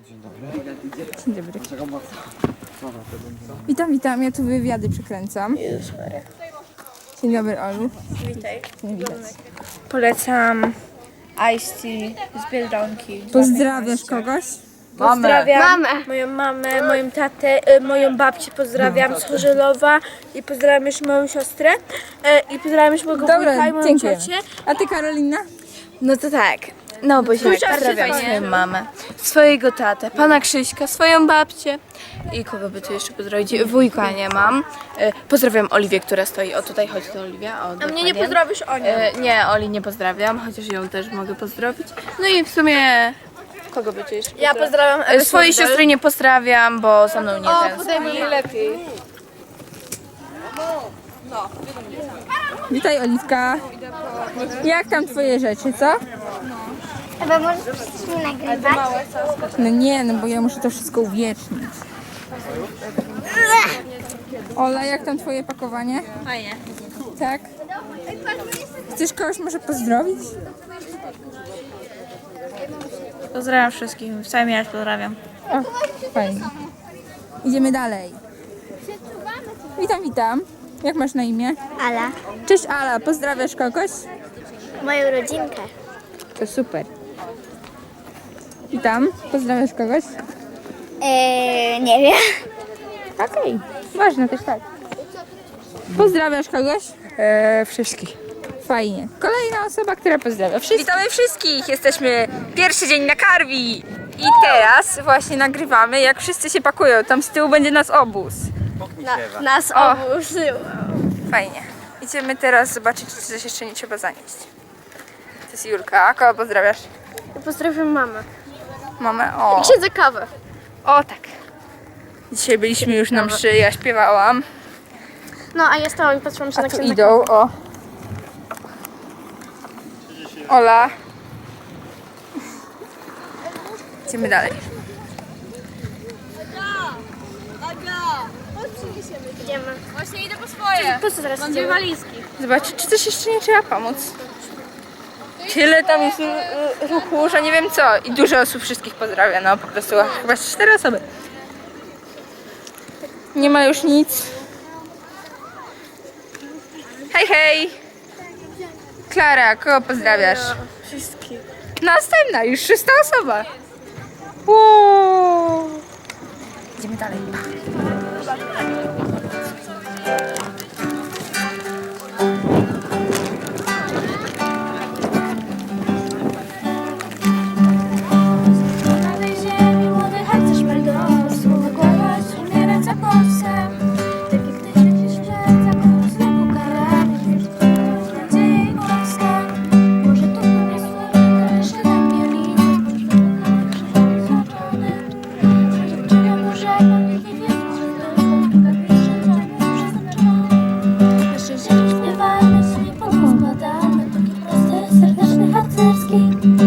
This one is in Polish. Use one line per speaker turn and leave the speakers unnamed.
Dzień dobry.
Dzień dobry. Witam, ja tu wywiady przekręcam. Dzień dobry, Olu.
Witaj.
Nie widać.
Polecam Ice Tea z Biedronki.
Pozdrawiasz kogoś?
Pozdrawiam moją mamę, moją tatę, moją babcię pozdrawiam z Chorzelowa i pozdrawiam jeszcze moją siostrę i pozdrawiam jeszcze mojego wujka
Dobra,
i moją
dziękuję.
ciocię.
A ty, Karolina?
No to tak. No bo się pozdrawiam swoją mamę, swojego tatę, pana Krzyśka, swoją babcię i kogo by tu jeszcze pozdrowić? Wujka nie mam. Pozdrawiam Oliwię, która stoi. O, tutaj chodzi to Oliwia. O,
A mnie nie pozdrowisz o nią.
nie, Oli nie pozdrawiam, chociaż ją też mogę pozdrowić. No i w sumie kogo by tu jeszcze
Ja pozdrawiam
swojej siostry nie pozdrawiam, bo ze mną nie tęskni.
lepiej.
Witaj, Oliwka. Jak tam twoje rzeczy, co?
Chyba możesz mnie nagrywać?
No nie, no bo ja muszę to wszystko uwiecznić. Ola, jak tam twoje pakowanie?
Fajnie.
Tak? Chcesz kogoś może pozdrowić?
Pozdrawiam wszystkich, w całym mieście pozdrawiam.
O, fajnie. Idziemy dalej. Witam. Jak masz na imię?
Ala,
Cześć Ala, pozdrawiasz kogoś?
moją rodzinkę.
To super. Witam, pozdrawiasz kogoś?
Nie wiem.
Okej, ważne też tak. Pozdrawiasz kogoś?
Wszystkich.
Fajnie. Kolejna osoba, która pozdrawia wszystkich. Witamy wszystkich! Jesteśmy pierwszy dzień na Karwi. I teraz właśnie nagrywamy, jak wszyscy się pakują. Tam z tyłu będzie nas obóz.
Nas obóz.
Fajnie. Idziemy teraz zobaczyć, czy coś jeszcze nie trzeba zanieść. To jest Julka. Kogo pozdrawiasz?
Pozdrawiam mamę.
Mamę? O.
Siedzę kawę.
O tak. Dzisiaj byliśmy już na mszy, ja śpiewałam.
No a ja stałam i patrzyłam się
A
na
tu
księdza.
idą, o. Ola. Idziemy dalej.
Idziemy. Właśnie idę po swoje. Po co teraz mam dwie walizki.
Zobaczyć, czy coś jeszcze nie trzeba pomóc. Tyle tam jest ruchu, że nie wiem co. I dużo osób wszystkich pozdrawia, no po prostu chyba 4 osoby. Nie ma już nic. Hej, hej! Klara, kogo pozdrawiasz?
Wszystkich.
Następna, już 6. osoba. Wow. Idziemy dalej.
Na tej ziemi młody harcerz meldował, słowo głos, umierać za Polskę. Tak jak ty świecisz przed zakonu znowu karami, nadzieję i Polskę. Może tu pewnie słowo, jeszcze na pianinie, krzyżem złaczony. Dziewczynia może nikt nie wie, że tylko przeznaczony. Nasze ziemi śpiewamy, sobie pomóc składamy, taki prosty, serdeczny, harcerski.